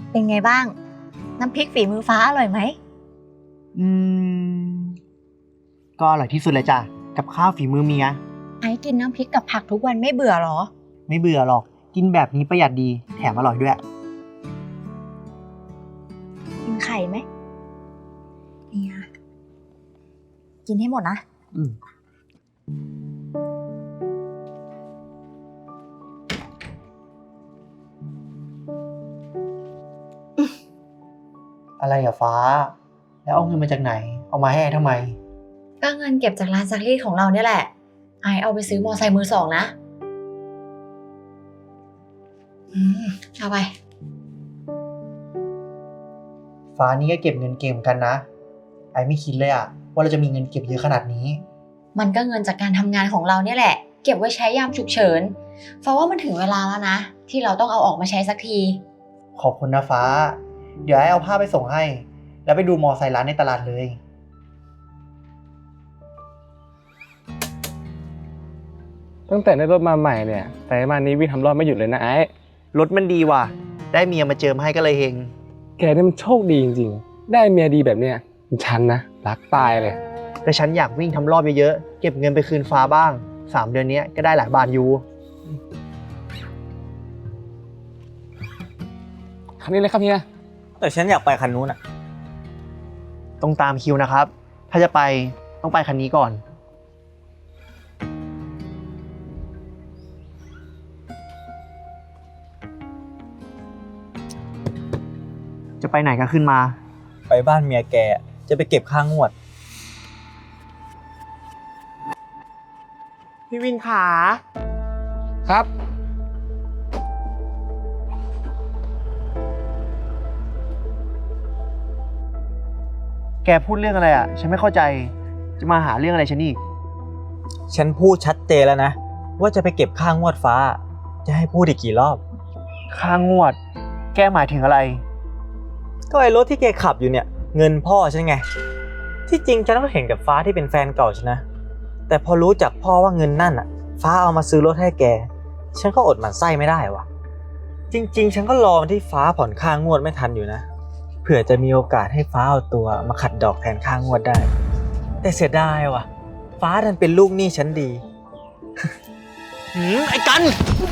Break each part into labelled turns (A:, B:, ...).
A: เป็นไงบ้างน้ำพริกฝีมือฟ้าอร่อยไหม
B: อืมก็อร่อยที่สุดเลยจ้ะกับข้าวฝีมือเมีย
A: ไอ้กินน้ำพริกกับผักทุกวันไม่เบื่อหรอ
B: ไม่เบื่อหรอกกินแบบนี้ประหยัดดีแถมอร่อยด้วย
A: กินไข่ไหมเนี่ยกินให้หมดนะ
B: อืมอะไรอะฟ้า แล้วเอาเงินมาจากไหน เอามาให้ทำไม
A: ก็เงินเก็บจากร้านซักรีดของเราเนี่ยแหละไอเอาไปซื้อมอไซค์มือสองนะเอาไป
B: ฟ้านี่ก็เก็บเงินเก่งเหมือนกันนะ ไอไม่คิดเลยอะว่าเราจะมีเงินเก็บเยอะขนาดนี้
A: มันก็เงินจากการทำงานของเราเนี่ยแหละเก็บไว้ใช้ยามฉุกเฉินฟ้าว่ามันถึงเวลาแล้วนะที่เราต้องเอาออกมาใช้สักที
B: ขอบคุณนะฟ้า เดี๋ยวไอเอาผ้าไปส่งให้ แล้วไปดูมอไซค์ร้านในตลาดเลย
C: ตั้งแต่ได้รถมาใหม่เนี่ยแต่มานี้วิ่งทำรอบไม่หยุดเลยนะไอ้
B: รถมันดีว่ะ ได้เมียมาเจิมให้ก็เลยเฮง
C: แกนี่มันโชคดีจริงๆได้เมียดีแบบเนี้ยฉันนะรักตายเลย
B: แต่ฉันอยากวิ่งทำรอบเยอะๆ เก็บเงินไปคืนฟ้าบ้าง 3 เดือนนี้ก็ได้หลายบาทอยู่
C: คันนี้เลยครับเฮีย
D: แต่ฉันอยากไปคันนู้นอ่ะ
B: ต้องตามคิวนะครับ ถ้าจะไปต้องไปคันนี้ก่อน จะไปไหนก็ขึ้นมา
D: ไปบ้านเมียแกจะไปเก็บค่างวด
B: พี่วินขา
C: ครับ
B: แกพูดเรื่องอะไรอ่ะ ฉันไม่เข้าใจ จะมาหาเรื่องอะไรฉันอีก
D: ฉันพูดชัดเจนแล้วนะ ว่าจะไปเก็บค่างวดฟ้า จะให้พูดอีกกี่รอบ
B: ค่างวด แกหมายถึงอะไร
D: ก็ไอ้รถที่แกขับอยู่เนี่ย เงินพ่อฉันไง ที่จริงฉันก็เห็นกับฟ้าที่เป็นแฟนเก่าฉันนะ แต่พอรู้จากพ่อว่าเงินนั่นอ่ะ ฟ้าเอามาซื้อรถให้แก ฉันก็อดหมั่นไส้ไม่ได้วะจริงๆ ฉันก็รอวันที่ฟ้าผ่อนค่างวดไม่ทันอยู่นะ เผื่อจะมีโอกาสให้ฟ้าเอาตัวมาขัดดอกแทนค่างวดได้ แต่เสียดายว่ะ ฟ้าดันเป็นลูกหนี้ฉันดี
B: ไอ้กัน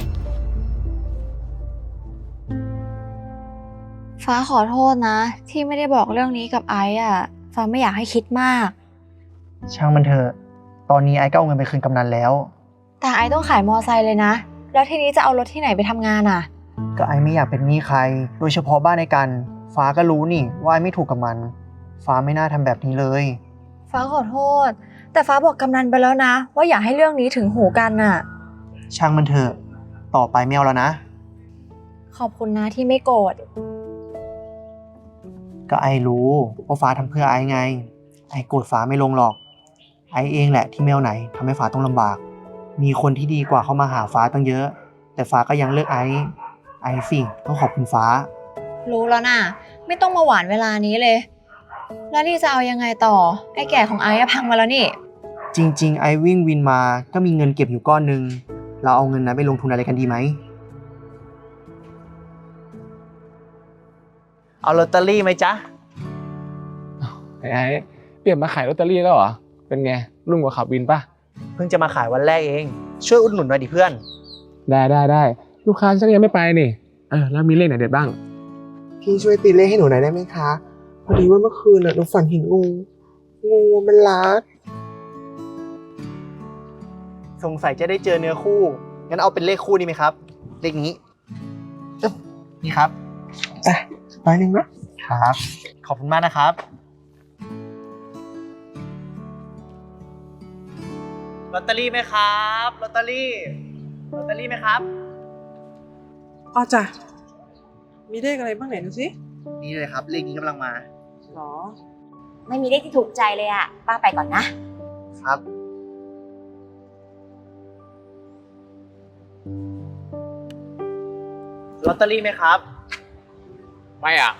A: ฟ้าขอโทษนะ ที่ไม่ได้บอกเรื่องนี้กับไอซ์อ่ะฟ้าไม่อยากให้คิดมาก
B: ช่างมันเถอะ ตอนนี้ไอ้ก็เอาเงินไปคืนกำนันแล้ว
A: แต่ไอซ์ต้องขายมอไซค์เลยนะแล้วทีนี้จะเอารถที่ไหนไปทำงานอ่ะ
B: ก็ไอ้ไม่อยากเป็นหนี้ใคร โดยเฉพาะบ้านในกัน ฟ้าก็รู้นี่ว่าไอ้ไม่ถูกกับมัน ฟ้าไม่น่าทำแบบนี้เลย
A: ฟ้าขอโทษ แต่ฟ้าบอกกำนันไปแล้วนะว่าอย่าให้เรื่องนี้ถึงหูกันน่ะ
B: ช่างมันเถอะ ต่อไปไม่เอาแล้วนะ
A: ขอบคุณนะที่ไม่โกรธ
B: ก็ไอ้รู้ว่าฟ้าทำเพื่อไอ้ไง ไอ้โกรธฟ้าไม่ลงหรอก ไอ้เองแหละที่ไม่เอาไหนทำให้ฟ้าต้องลำบาก มีคนที่ดีกว่าเข้ามาหาฟ้าตั้งเยอะ แต่ฟ้าก็ยังเลือกไอ้สิต้องขอบคุณฟ้า
A: รู้แล้วน่ะ ไม่ต้องมาหวานเวลานี้เลย แล้วนี่จะเอายังไงต่อ ไอ้แก่ของไอ้อะพังมาแล้วนี่
B: จริงๆ ไอ้วิ่งวินมาก็มีเงินเก็บอยู่ก้อนหนึ่ง เราเอาเงินนั้นไปลงทุนอะไรกันดีไหม เอาลอตเตอรี่ไหมจ๊ะ
C: ไอ้เปลี่ยนมาขายลอตเตอรี่แล้วเหรอเป็นไงรุ่งกว่าขับวินป่ะ
B: เพิ่งจะมาขายวันแรกเอง ช่วยอุดหนุนหน่อยดิเพื่อน
C: ได้ลูกค้าฉันยังไม่ไปนี่แล้วมีเลขไหนเด็ดบ้าง
E: พี่ช่วยตีเลขให้หนูหน่อยได้ไหมคะพอดีว่าเมื่อคืนหนูฝันเห็นงูมันรัด
B: สงสัยจะได้เจอเนื้อคู่ งั้นเอาเป็นเลขคู่ดีไหมครับ เลขนี้นี่ครับ
E: 100นะ
B: ครับ ขอบคุณมากนะครับ ลอตเตอรี่ไหมครับ ลอตเตอรี่ไหมครับ
E: อ๋อจ้ะมีเลขอะไรบ้างไหนดูสิ
B: นี่เลยครับ เลขนี้กำลังมา
E: หรอ
A: ไม่มีเลขที่ถูกใจเลยอะป้าไปก่อนนะ
B: ครับ ลอตเตอรี่ไหมครับ
C: ไม่อ่ะ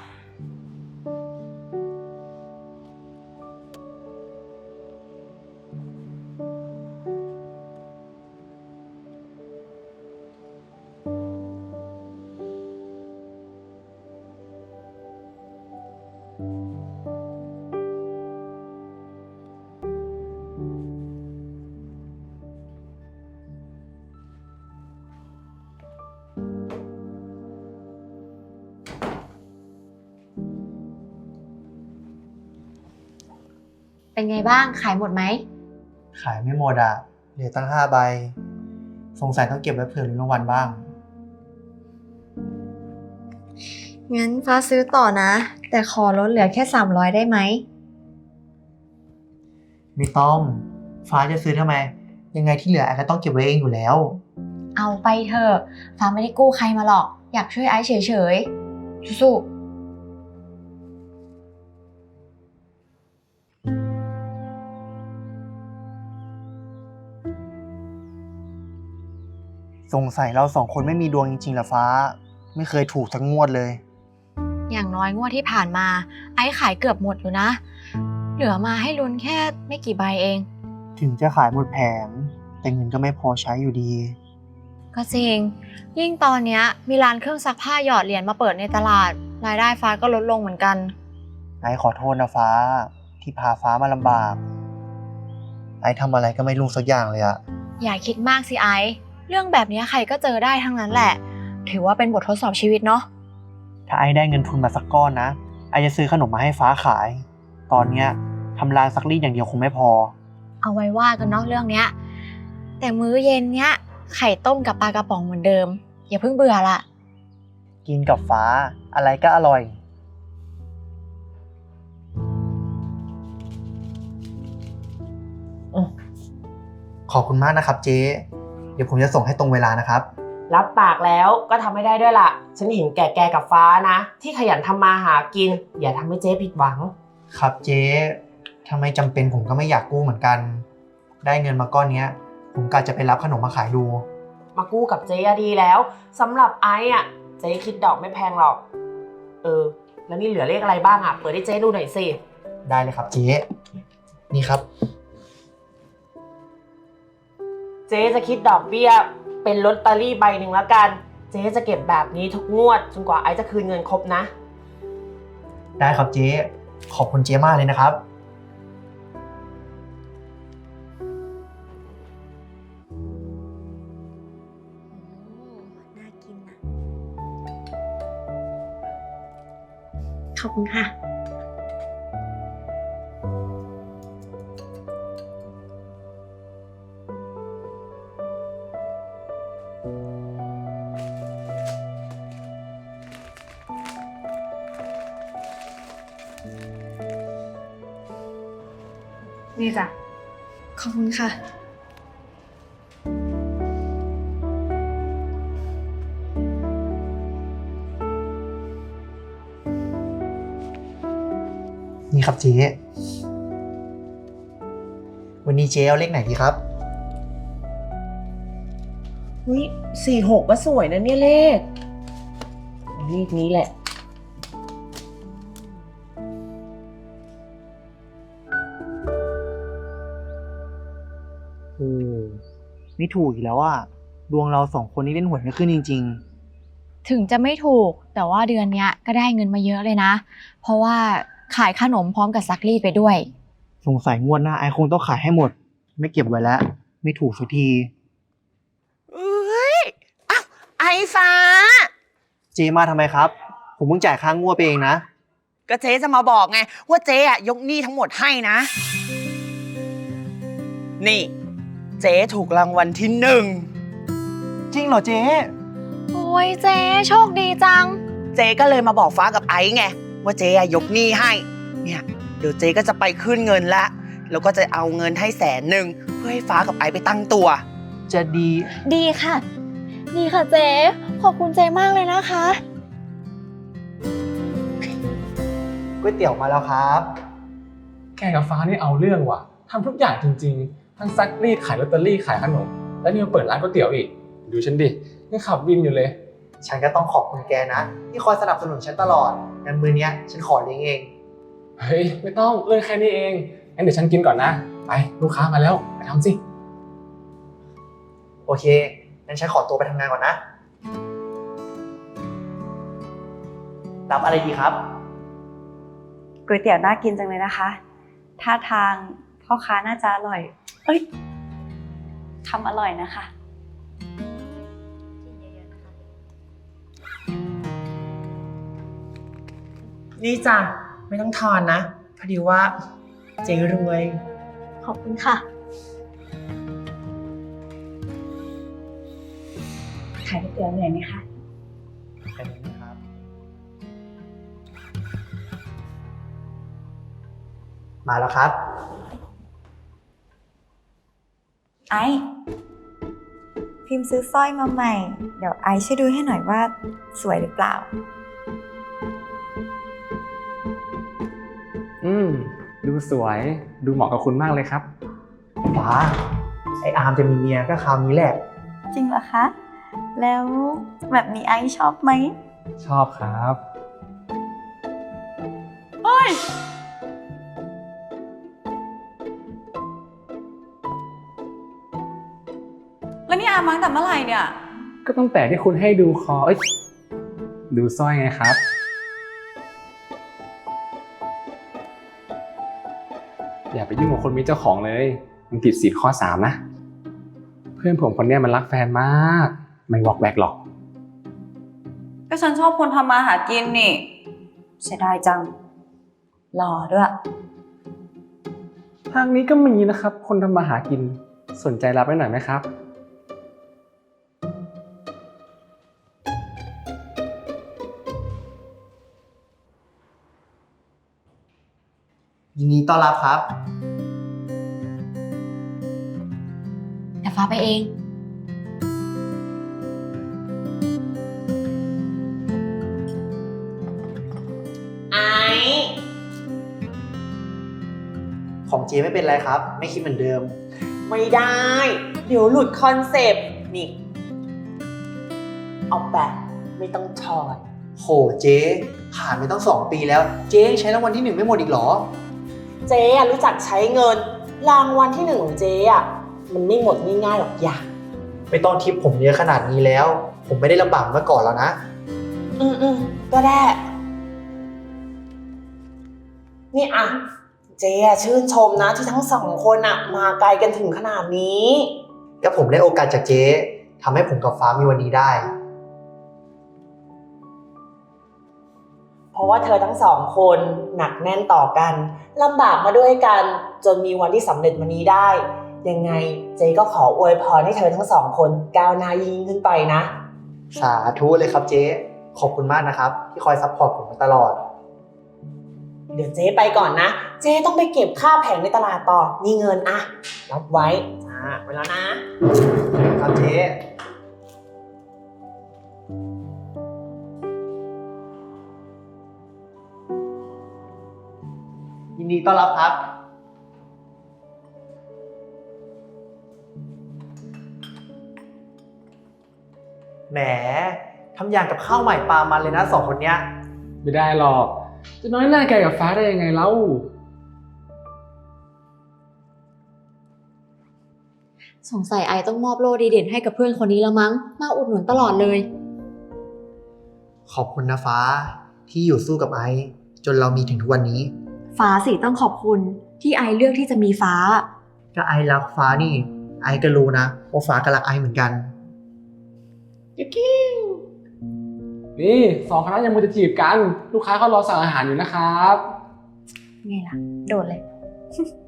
A: เป็นไงบ้างขายหมดไหม
B: ขายไม่หมดอ่ะเหลือตั้ง5 ใบ สงสัยต้องเก็บไว้เผื่อลุ้นรางวัลบ้าง
A: งั้นฟ้าซื้อต่อนะ แต่ขอลดเหลือแค่300ได้ไหม
B: ไม่ต้อง ฟ้าจะซื้อทำไม ยังไงที่เหลือไอ้ก็ต้องเก็บไว้เองอยู่แล้ว
A: เอาไปเถอะฟ้าไม่ได้กู้ใครมาหรอก อยากช่วยไอซ์เฉยๆสู้
B: สงสัยเรา2 คนไม่มีดวงจริงๆเหรอฟ้า ไม่เคยถูกสักงวดเลย
A: ๆอย่างน้อยงวดที่ผ่านมา ไอซ์ขายเกือบหมดอยู่นะ เหลือมาให้ลุ้นแค่ไม่กี่ใบเอง
B: ถึงจะขายหมดแผงแต่เงินก็ไม่พอใช้อยู่ดี
A: ก็จริง ยิ่งตอนเนี้ยมีร้านเครื่องซักผ้าหยอดเหรียญมาเปิดในตลาด รายได้ฟ้าก็ลดลงเหมือนกัน
B: ไอ้ขอโทษนะฟ้าที่พาฟ้ามาลำบาก ไอ้ทำอะไรก็ไม่รู้สักอย่างเลยอะ
A: อย่าคิดมากสิไอซ์เรื่องแบบนี้ใครก็เจอได้ทั้งนั้นแหละ ถือว่าเป็นบททดสอบชีวิตเนาะ
B: ถ้าไอ้ได้เงินทุนมาสักก้อนนะ ไอ้จะซื้อขนมมาให้ฟ้าขาย ตอนเนี้ยทำร้านซักรีดอย่างเดียวคงไม่พอ
A: เอาไว้ว่ากันเนาะเรื่องเนี้ย แต่มื้อเย็นเนี้ยไข่ต้มกับปลากระป๋องเหมือนเดิม อย่าเพิ่งเบื่อละ
B: กินกับฟ้าอะไรก็อร่อย ขอบคุณมากนะครับเจ๊ เดี๋ยวผมจะส่งให้ตรงเวลานะครับ
F: รับปากแล้วก็ทำไม่ได้ด้วยล่ะ ฉันเห็นแก่แกกับฟ้านะ ที่ขยันทำมาหากิน อย่าทำให้เจ๊ผิดหวัง
B: ครับเจ๊ถ้าไม่จำเป็นผมก็ไม่อยากกู้เหมือนกัน ได้เงินมาก้อนเนี้ย ผมกะจะไปรับขนมมาขายดู
F: มากู้กับเจ๊อะดีแล้วสำหรับไอ้อะเจ๊คิดดอกไม่แพงหรอก แล้วนี่เหลือเลขอะไรบ้างอะเปิดให้เจ๊ดูหน่อยสิ
B: ได้เลยครับเจ๊ นี่ครับ
F: เจ๊จะคิดดอกเบี้ยเป็นลอตเตอรี่ใบหนึ่งแล้วกัน เจ๊จะเก็บแบบนี้ทุกงวดจนกว่าไอ้จะคืนเงินครบนะ
B: ได้ครับเจ๊ ขอบคุณเจ๊มากเลยนะครับ
A: น่ากินนะขอบคุณค่ะ
G: นี่จ้ะ
A: ขอบคุณค่ะ
B: นี่ครับเจ๊ วันนี้เจ๊เอาเลขไหนดีครับ
F: อุ้ย46ก็สวยนะเนี่ยเลขนี้แหละ
B: โอ้ไม่ถูกอีกแล้วอ่ะ ดวงเรา2 คนนี้เล่นหวยไม่ขึ้นจริง
A: ถึงจะไม่ถูกแต่ว่าเดือนเนี้ยก็ได้เงินมาเยอะเลยนะ เพราะว่าขายขนมพร้อมกับซักรีดไปด้วย
B: ๆ สงสัยงวดหน้าไอคงต้องขายให้หมด ไม่เก็บไว้แล้ว ไม่ถูกสักที
F: เอ้ยอ้าวไอ้ฟ้า
B: เจ๊มาทำไมครับ ผมเพิ่งจ่ายค่างวดไปเองนะ
F: ก็เจ๊จะมาบอกไงว่าเจ๊อะยกหนี้ทั้งหมดให้นะ นี่ เจ๊ถูกรางวัลที่
B: จริงเหรอเจ๊
A: โอ้ยเจ๊โชคดีจัง
F: 1เจ๊ก็เลยมาบอกฟ้ากับไอ้ไงว่าเจ๊อะยกหนี้ให้ เนี่ยเดี๋ยวเจ๊ก็จะไปขึ้นเงินละแล้วก็จะเอาเงินให้100,000เพื่อให้ฟ้ากับไอ้ไปตั้งตัว
B: จะดี
A: ดีค่ะ ดีค่ะเจ๊ขอบคุณเจ๊มากเลยนะคะ
B: ก๋วยเตี๋ยวมาแล้วครับ
C: แกกับฟ้านี่เอาเรื่องว่ะทำทุกอย่างจริงๆ ทั้งซักรีดขายลอตเตอรี่ขายขนม แล้วนี่มาเปิดร้านก๋วยเตี๋ยวอีก ดูฉันดิยังขับวินอยู่เลย
B: ฉันก็ต้องขอบคุณแกนะ ที่คอยสนับสนุนฉันตลอดงั้นมื้อเนี้ยฉันขอเลี้ยงเอง
C: เฮ้ยไม่ต้องเรื่องแค่นี้เองงั้นเดี๋ยวฉันกินก่อนนะ ไปลูกค้ามาแล้วไปทำสิ
B: โอเคงั้นฉันขอตัวไปทำงานก่อนนะ รับอะไรดีครับ
G: ก๋วยเตี๋ยวน่ากินจังเลยนะคะ ท่าทางพ่อค้าน่าจะอร่อย เอ้ยทำอร่อยนะคะ
F: นี่จ้ะไม่ต้องทอนนะ พอดีว่าเจ๊รวย
G: ขอบคุณค่ะ ขายก๋วยเตี๋ยวเหนื่อยไหมคะ
B: แค่นี้นะครับ มาแล้วครับ
G: ไอซ์พิมพ์ซื้อสร้อยมาใหม่ เดี๋ยวไอซ์ช่วยดูให้หน่อยว่าสวยหรือเปล่า
C: ดูสวย ดูเหมาะกับคุณมากเลยครับ
B: ฟ้า ไออาร์มจะมีเมียก็คราวนี้แหละ
G: จริงเหรอคะ แล้วแบบนี้ไอซ์ชอบไหม
C: ชอบครับ
G: แล้วนี่อามาตั้งแต่เมื่อไหร่เนี่ย
C: ก็ตั้งแต่ที่คุณให้ดูดูสร้อยไงครับ อย่าไปยุ่งกับคนมีเจ้าของเลย มันผิดศีลข้อ 3นะ เพื่อนผมคนเนี้ยมันรักแฟนมาก ไม่วอกแวกหรอก
G: ก็ฉันชอบคนทำมาหากินนี่เสียดายจัง หล่อด้วย
C: ทางนี้ก็มีนะครับ คนทำมาหากิน สนใจรับไว้หน่อยไหมครับ
B: ยินดีต้อนรับครับ
A: เดี๋ยวฟ้าไปเอง
F: ไอ้
B: ของเจไม่เป็นไรครับ ไม่คิดเหมือนเดิม
F: ไม่ได้ เดี๋ยวหลุดคอนเซปต์นี่ เอาแบบไม่ต้องถอด
B: โหเจ๊ผ่านไปตั้ง2 ปีแล้ว เจ๊ยังใช้รางวัลที่ 1ไม่หมดอีกเหรอ
F: เจ๊อะรู้จักใช้เงิน รางวัลที่ 1ของเจ๊อะมันไม่หมดง่ายๆหรอกอย่า
B: ไม่ต้องทิปผมเยอะขนาดนี้แล้ว ผมไม่ได้ลำบากเมื่อก่อนแล้วนะ
F: ก็ได้ นี่อะเจ๊อะชื่นชมนะที่ทั้งสองคนอะมาไกลกันถึงขนาดนี้
B: ก็ผมได้โอกาสจากเจ๊ทำให้ผมกับฟ้ามีวันนี้ได้
F: เพราะว่าเธอทั้งสองคนหนักแน่นต่อกันลำบากมาด้วยกันจนมีวันที่สำเร็จวันนี้ได้ ยังไงเจ๊ก็ขออวยพรให้เธอทั้งสองคนก้าวหน้ายิ่งขึ้นไปนะ
B: สาธุเลยครับเจ๊ ขอบคุณมากนะครับ ที่คอยซัพพอร์ตผมมาตลอด
F: เดี๋ยวเจ๊ไปก่อนนะ เจ๊ต้องไปเก็บค่าแผงในตลาดต่อนี่เงินอะรับไว้ไปแล้วนะ
B: ครับเจ๊ ยินดีต้อนรับครับ แหมทำอย่างกับข้าวใหม่ปลามันเลยนะ2 คนเนี้ย
C: ไม่ได้หรอก จะน้อยหน้าแกกับฟ้าได้ยังไงเล่า
A: สงสัยไอต้องมอบโล่ดีเด่นให้กับเพื่อนคนนี้แล้วมั้ง มาอุดหนุนตลอดเลย
B: ขอบคุณนะฟ้าที่อยู่สู้กับไอซ์จนเรามีถึงทุกวันนี้
A: ฟ้าสิต้องขอบคุณที่ไอเลือกที่จะมีฟ้า
B: ก็ไอซ์รักฟ้านี่ ไอซ์ก็รู้นะว่าฟ้าก็รักไอซ์เหมือนกัน
C: นี่2 คณะยังมัวจะจีบกัน ลูกค้าเขารอสั่งอาหารอยู่นะครับ
A: ไงล่ะ โดดเลย